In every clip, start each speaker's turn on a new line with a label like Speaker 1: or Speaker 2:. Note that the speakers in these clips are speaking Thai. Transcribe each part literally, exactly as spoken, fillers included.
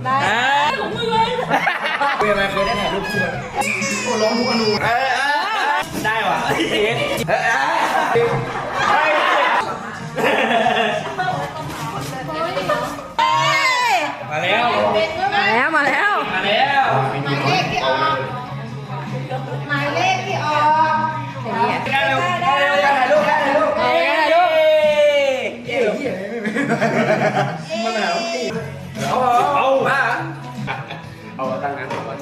Speaker 1: ได้ของมึงเลยเคยไหมเคยได้ถ่ายรูปคู่กันโอ้ร้องมุกอนูได้ว่ะมาแล้วมาแล้วมาแล้วมาแล้วหมายเลขที่ออกหมายเลขที่ออกได้เร็วได้เร็วได้ถ่ายรูปได้ถ่ายรูปได้ถ่ายรูปเย้เย้ไม่เป็นไรเอาเอามาเอาตั้งนั้นก่อน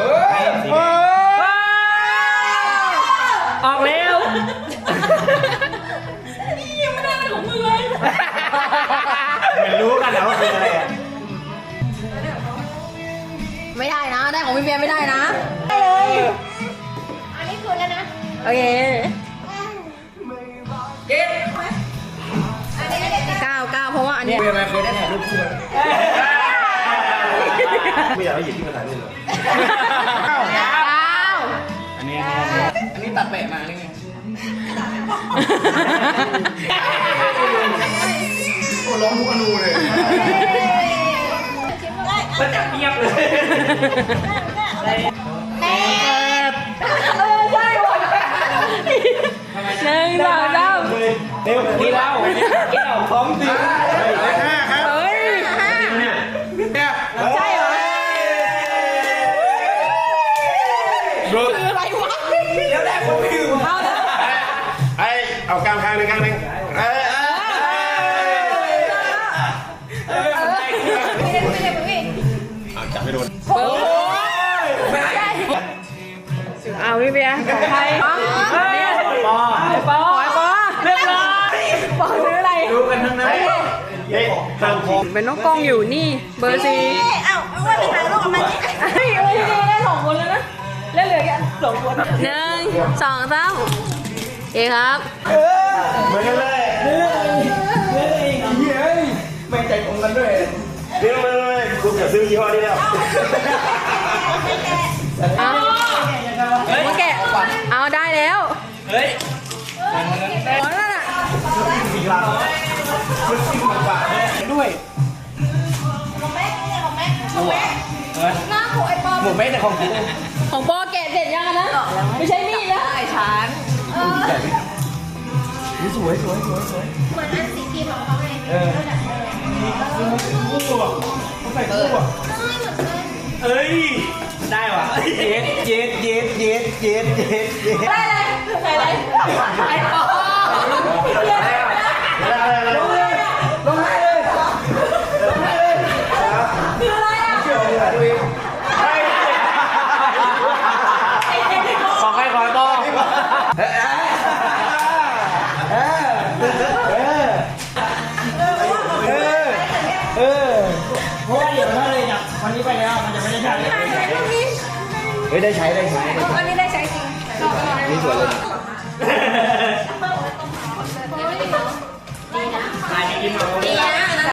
Speaker 1: ออกแล้วนี่ยังไม่ได้อะไรของมึงเลยมันรู้กันแล้วว่าคืออะไรอ่ะไม่ได้นะได้ของพี่เบียร์ไม่ได้นะได้เลยอันนี้คืนแล้วนะโอเคเก็บเก้าเก้าเพราะว่าอันนี้เคยไหมเคยได้ถ่ายรูปคู่กันไม่อยากให้หยิบที่มาถ่ายรูปเลยเก้าอันนี้อันนี้ตัดแปะมานี่ไงโอ้ร้องมุกอนูเลยมันจับเงียบเลยแปดเออใช่หมดหนึ่งสองสามเร็วกี่เราแก้วพร้อมสิห้าครับเฮ้ยห้าเนี่ยใช่เหรอคืออะไรวะเดี๋ยวแรกผมไม่อยู่เอาแล้วไอเอากลางข้างหนึ่งข้างหนึ่งเออเออเออไม่ได้ไม่ได้ไม่ได้จับไม่โดนโอ้ยไม่ได้เอาพี่เบียร์ของใครปอปอปอปอเรียบร้อยปอซื้ออะไรดูกันทั้งนั้นเฮ้ยทางผมเป็นน้องกล้องอยู่นี่เบอร์ซีเอ้าว่าจะถ่ายรูปกับมันเฮ้ยเฮ้ยได้สองคนแล้วนะเล่นเหลือแค่สองคนหนึ่งสองสามเอ๋ครับเหมือนกันเลยเฮ้ยเฮ้ยเฮ้ยไม่ใจตรงกันด้วยเรื่องเลยเลยคุณจะซื้อยี่ห้อนี้แล้วเอามาแกะเอาได้แล้วเฮ้ยขอแล้วน่ะสี่ล้านคุณสิบบาทด้วยของแม่ของแม่ของแม่หน้าของไอ้ปอหมูแม่แต่ของกูของปอแกะเสร็จยังนะไม่ใช่มีดแล้วไอ้ฉันสวยสวยสวยสวยเหมือนอันสีพิมพ์ของเขาไงเออเขาใส่คู่อ่ะเอ้ยได้ว่ะเย็ดเย็ดเย็ดเย็ดเย็ดเย็ดเย็ดได้เลยใส่อะไรไอ้ปอลงเลยลงให้เลยลงให้เลยคืออะไรอ่ะของใครของปอเออเออเออเออเพราะว่าเดี๋ยวถ้าเลยจากวันนี้ไปแล้วมันจะไม่ได้ใช้เฮ้ยได้ใช้ได้ใช้อันนี้ได้ใช้จริงนี่สวยเลยถ่ายจริงๆ